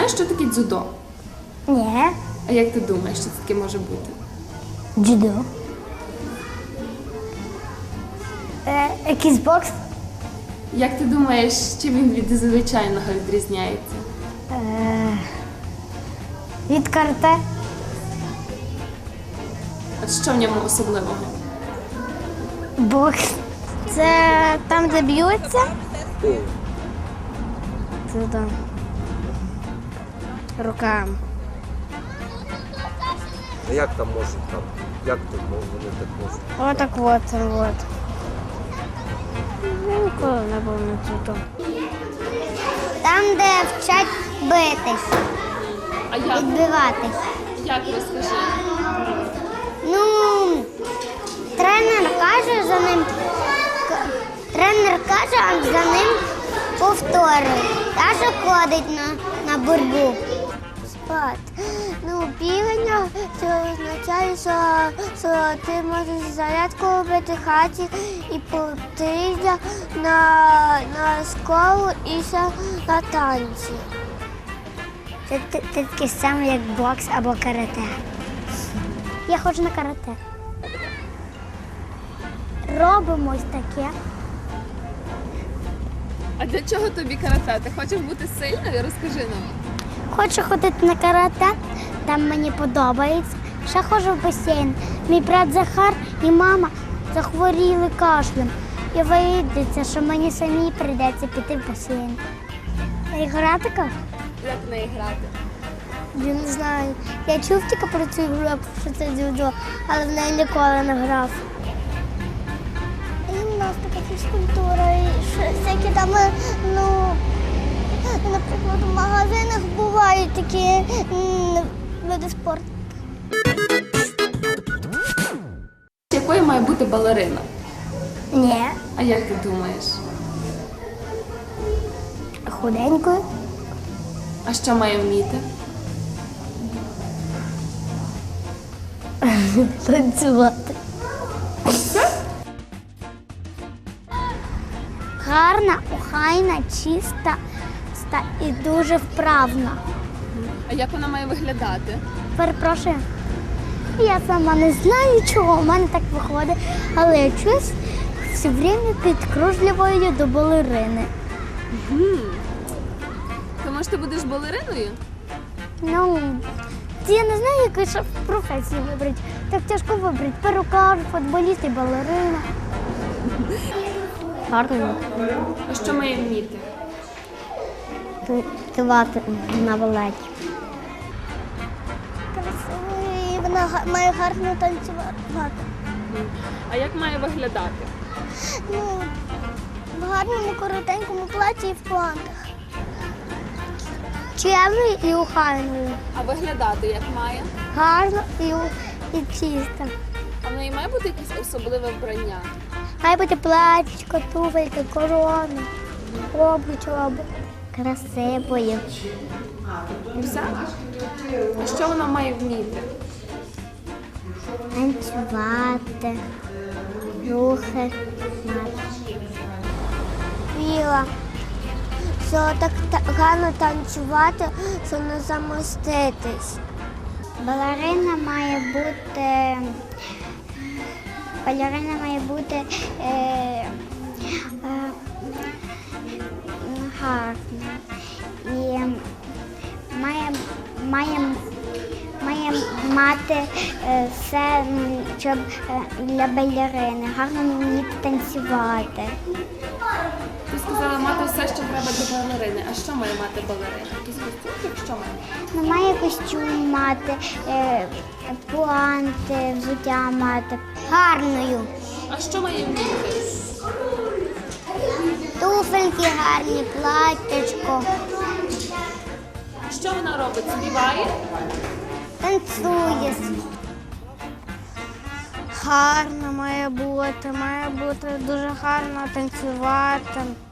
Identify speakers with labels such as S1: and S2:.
S1: знаєш, що таке дзюдо?
S2: Ні.
S1: А як ти думаєш, що це таке може бути?
S2: Дзюдо. Якийсь бокс.
S1: Як ти думаєш, чим він від звичайного відрізняється?
S2: Від карате.
S1: От що в ньому особливого?
S2: Бокс. Це там, де б'ються? Це там. Руками.
S3: А як там можуть там? Як тут вони так можуть?
S2: Отак от. Я ніколи не був на цьому. Там, де вчать битись,
S1: А як?
S2: відбиватись.
S1: Як розкажи?
S2: Ну, тренер каже за ним, а за ним повторює. Та ходить на боротьбу. Спад. Ну, бігання це означає, що ти можеш зарядку робити в хаті і потрібно на школу і ще на танці. Це таке саме, як бокс або карате. Я ходжу на карате. Робимо ось таке.
S1: А для чого тобі карате? Ти хочеш бути сильною? Розкажи нам.
S2: Хочу ходити на карате, там мені подобається. Ще ходжу в басейн. Мій брат Захар і мама захворіли кашлем. І вийдеться, що мені самі прийдеться піти в басейн. Грати як?
S1: Як в неї грати?
S2: Я не знаю. Я чув тільки про цю гру, що це дзюдо, але в неї ніколи не грав. Гімнастика, фізкультура, і всякі там, ну, наприклад, в магазинах бувають такі види спорту.
S1: Якою має бути балерина?
S2: Ні.
S1: А як ти думаєш?
S2: Худенькою.
S1: А що має вміти?
S2: Танцювати. Гарна, охайна, чиста і дуже вправна.
S1: А як вона має виглядати?
S2: Перепрошую. Я сама не знаю, чого в мене так виходить, але я чусь все время підкружлюваю до балерини.
S1: То може ти будеш балериною?
S2: Ну, я не знаю, яку ще професію вибрати. Так тяжко вибрати. Перукар, футболіст і балерина. Гарно.
S1: А що має вміти?
S2: Танцювати на балеті. Красиво, вона має гарно танцювати.
S1: А як має виглядати?
S2: Ну, в гарному коротенькому платі і в плантах. Чемною і охайною.
S1: А виглядати як має?
S2: Гарно і чисто.
S1: А в неї має бути якесь особливе вбрання?
S2: Має бути платічко, туфельки, корона, обруч. Красивою.
S1: І все? А що вона має вміти?
S2: Танцювати, рухи. Віла, що так гарно танцювати, що не замоститись. Балерина має бути гарна і має мати все, щоб для балерини, гарно вміти танцювати.
S1: Ти сказала мати все, що треба для балерини. А що має мати балерина? Якийсь костюм? Що має?
S2: Ну, має костюм мати, пуанти, взуття мати. Гарною.
S1: А що має вміти?
S2: Туфельки гарні, платтячко.
S1: Що вона робить? Співає?
S2: Танцює. Гарно має бути дуже гарно танцювати.